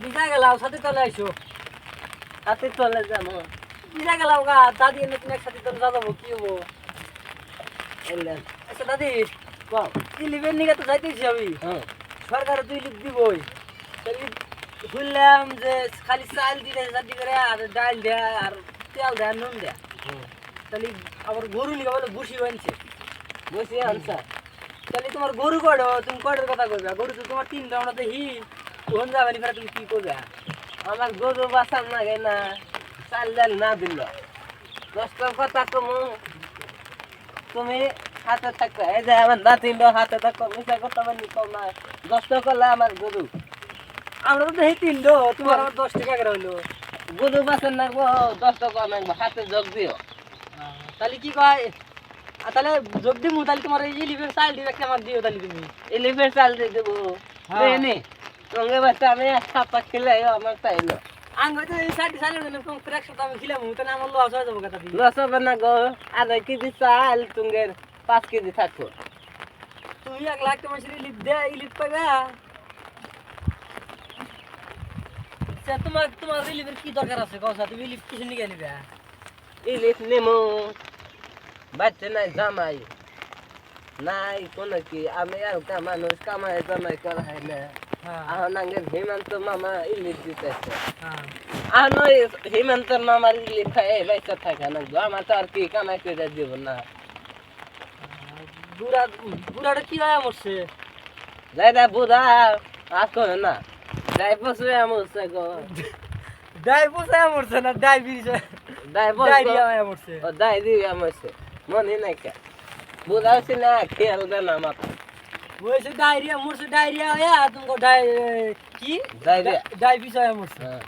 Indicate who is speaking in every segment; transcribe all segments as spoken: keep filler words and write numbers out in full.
Speaker 1: বিজা গেলাও সাথে চলে আইসো
Speaker 2: হাতে চলে যাবো
Speaker 1: বিজা গেলাও গা দাদি এনে তুমি একসাথে চলে যাবো কি হবো
Speaker 2: এলেন
Speaker 1: আচ্ছা দাদি
Speaker 2: কম
Speaker 1: ইলিভেন নিকে তো যাইতেছি আমি
Speaker 2: হ্যাঁ
Speaker 1: সরকার তো ইলিভ দিবই তাহলে শুনলাম যে খালি চাল দিলে চাটি করে আর ডাল দেয় আর তেল দেয় নুন দেয় তাহলে আবার গরু নিকে বলে বসি বানছে
Speaker 2: বসে আনসা
Speaker 1: তাহলে তোমার গরু কড়ো তুমি কড়ের কথা কইবা গরু তো তোমার তিনটা আমরা দেখি কোন যাবে নি তুমি কি করবে
Speaker 2: আমার গরু বাসার লাগে না চাল ডাল না দিল দশটার কথা কমু তুমি হাতে থাকবে এই যে আমার নাতিন হাতে থাকো মিশা কথা মানি কম না দশটা করলে আমার গরু
Speaker 1: আমরা তো দেখি তিনটো তোমার আবার দশ টাকা করে হইলো
Speaker 2: গরু বাসার নাকবো দশ টাকা নাকবো হাতে যোগ দিও
Speaker 1: তাহলে কি কয় আর তাহলে যোগ দিমু তাহলে তোমার এই ইলিভেন চাল দিবে একটা আমার দিও তাহলে তুমি
Speaker 2: এলিভেন্ট চাল দিয়ে দেবো
Speaker 1: হ্যাঁ।
Speaker 2: নে সঙ্গে বাচ্চা আমি সাপা খেলে আমার চাইলো
Speaker 1: আং হয়তো এই সাইডে চালের জন্য কম করে একশো আমি খিলাম তাহলে আমার লস হয়ে যাবো কথা দিয়ে
Speaker 2: লস হবে না গো আধা কেজি চাল তুঙ্গের পাঁচ কেজি থাকো
Speaker 1: তুমি এক লাখ টাকা মানুষের ইলিপ দে ইলিপ পাবে আচ্ছা, তোমার তোমার ইলিপের কি দরকার আছে কওসা তুমি ইলিপ কিছু নিয়ে নিবে
Speaker 2: ইলিশ নেমু বাচ্চা নাই জামাই নাই কোনো কি আমি আর মানুষ কামাই জামাই করা হয় না
Speaker 1: হ্যাঁ
Speaker 2: এখন আগে হেমন্ত মামা ইলিশ দিতেছে
Speaker 1: হ্যাঁ
Speaker 2: এখন ওই হেমন্ত মামার ইলিশ খাই বাইসা থাকে না গো আমার তো আর কি কামাই করে দিব না
Speaker 1: বুড়া বুড়াটা কি হয় মরছে
Speaker 2: যাই রে বুড়া আসো না যাই পশু আমছে গো
Speaker 1: ডাই পোষায় মরছে না ডাই বিষ
Speaker 2: যাই
Speaker 1: ডায়রিয়া হয়ে মরছে
Speaker 2: ও দাই দিবি আমছে মনে নাই কে বুড়া হচ্ছে না খেয়াল দে না মাথা
Speaker 1: ওইসে ডায়রিয়া মরছে ডায়রিয়া হয়ে তুমি ডাই কি
Speaker 2: ডায়রিয়া
Speaker 1: ডাই বিষ হয়ে মরছে
Speaker 2: হ্যাঁ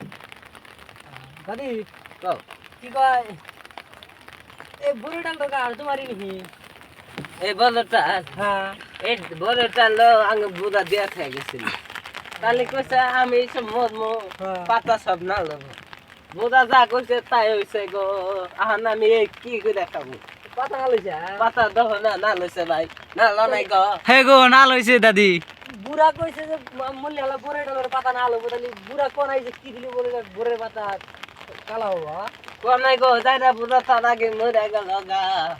Speaker 1: দাদি
Speaker 2: কও
Speaker 1: কি কয় এই বুড়িটা তো কার তোমারই নাকি
Speaker 2: এই বলটা
Speaker 1: হ্যাঁ
Speaker 2: এই বলটা লো আগে বুড়া দিয়া খেয়ে গেছিল তাহলে কইছে আমি সব মরমো
Speaker 1: হ্যাঁ।
Speaker 2: পাতা সব না লব বুড়া যা কইছে তাই হইছে গো আহান আমি এই কি করে খাবো
Speaker 1: পাতা না লইছে
Speaker 2: পাতা দহ না না লইছে ভাই না ল নাই গো
Speaker 3: হে গো না লইছে দাদি
Speaker 1: বুড়া কইছে যে মূল্য হলো বুড়ে ডলার পাতা না হলো তাহলে বুড়া কোন আইছে কি দিলি বলে বুড়ের পাতা কালা হওয়া
Speaker 2: কোন নাই গো যাই না বুড়া তার আগে মরে গেল গা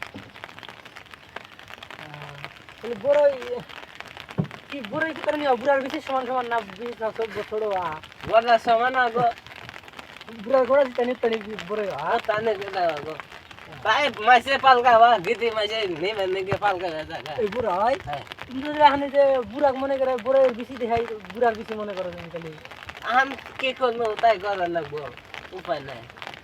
Speaker 1: তাহলে বড় কি বুড়ো কি করে নিও বুড়ার বেশি সমান সমান না বিশ না সব বছর হওয়া
Speaker 2: বড়া সমান গো
Speaker 1: বুড়ার গোড়া দিতে নিতে নি বড়
Speaker 2: আ তানে গেল গো ভাই মাসে পালকা বা গিদি মাসে নেমে নেগে পালকা জায়গা
Speaker 1: এই বুড়া হয়
Speaker 2: হ্যাঁ
Speaker 1: তুমি যদি এখানে যে বুড়া মনে করে বুড়ার বেশি দেখাই বুড়ার বেশি মনে করো তুমি তাহলে
Speaker 2: আম কি করবো তাই করা লাগবো উপায় নাই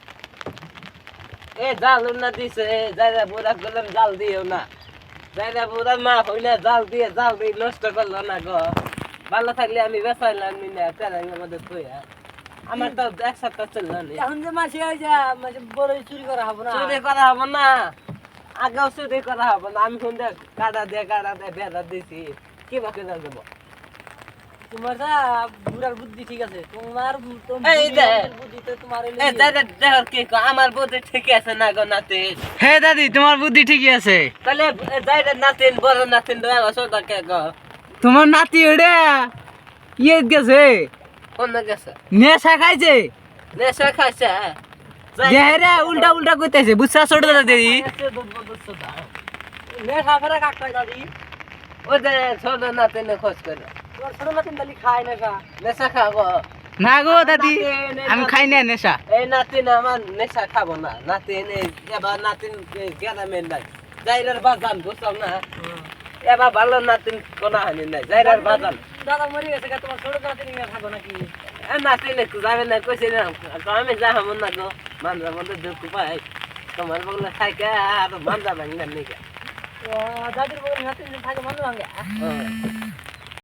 Speaker 2: এ জাল না দিছে যাইরা বুড়া গেলাম জাল দিও না যাইরা বুড়া মা হই না জাল দিয়ে জাল দিয়ে নষ্ট করলো না গো ভালো থাকলে আমি বেসাইলাম না তেরাঙ্গের মধ্যে থইয়া আমার তো এক সপ্তাহ চললো না
Speaker 1: এখন যে মাসে হয় যা মাসে বড় চুরি করা হবে না
Speaker 2: চুরি করা হবে না আগেও চুরি করা হবে না আমি শুনতে কাটা দিয়ে কাটা দিয়ে বেড়া দিছি কি বাকি যাবো
Speaker 1: তোমার যা বুড়ার বুদ্ধি ঠিক আছে তোমার
Speaker 2: এই যে
Speaker 1: বুদ্ধিতে তোমার
Speaker 2: এ দাদা দেখো কি কো আমার বুদ্ধি ঠিক আছে না গো নাতি
Speaker 3: হে দাদি তোমার বুদ্ধি ঠিকই আছে
Speaker 2: তাহলে যাইরা নাতিন বড় নাতিন দয়া সদা কে গো
Speaker 3: তোমার নাতি ওটা ইয়ে গেছে
Speaker 2: কোন গেছে
Speaker 3: নেশা খাইছে
Speaker 2: নেশা খাইছে
Speaker 3: দেহরে উল্টা উল্টা কইতেছে বুঝছা ছোট দাদি
Speaker 1: নেশা ফেরা কাকটাই দাদি
Speaker 2: ও যে ছোট নাতিনে খোঁজ করে
Speaker 1: তোমার ছোট নাতিন তাহলে খায় নেশা
Speaker 2: নেশা খাবো
Speaker 3: না গো দাদি আমি খাই না নেশা
Speaker 2: এই নাতিন আমার নেশা খাবো না নাতিন এবার নাতিন গ্রামের নাই যাইরার বাজান বুঝলাম না এবার ভালো নাতিন কোনা হানি নাই যাইরার বাজান
Speaker 1: দাদা মরে গেছে গা, তোমার ছোট নাতিন নিয়ে থাকো নাকি
Speaker 2: নাতিন একটু যাবে না কইছে না আমি যাবো না গো মানজার মধ্যে দুঃখ পাই তোমার বগলে খাইকে আর মানজা ভাঙলেন নাকি
Speaker 1: দাদির বউর নাতিন থাকে মনে ভাঙে
Speaker 2: হ্যাঁ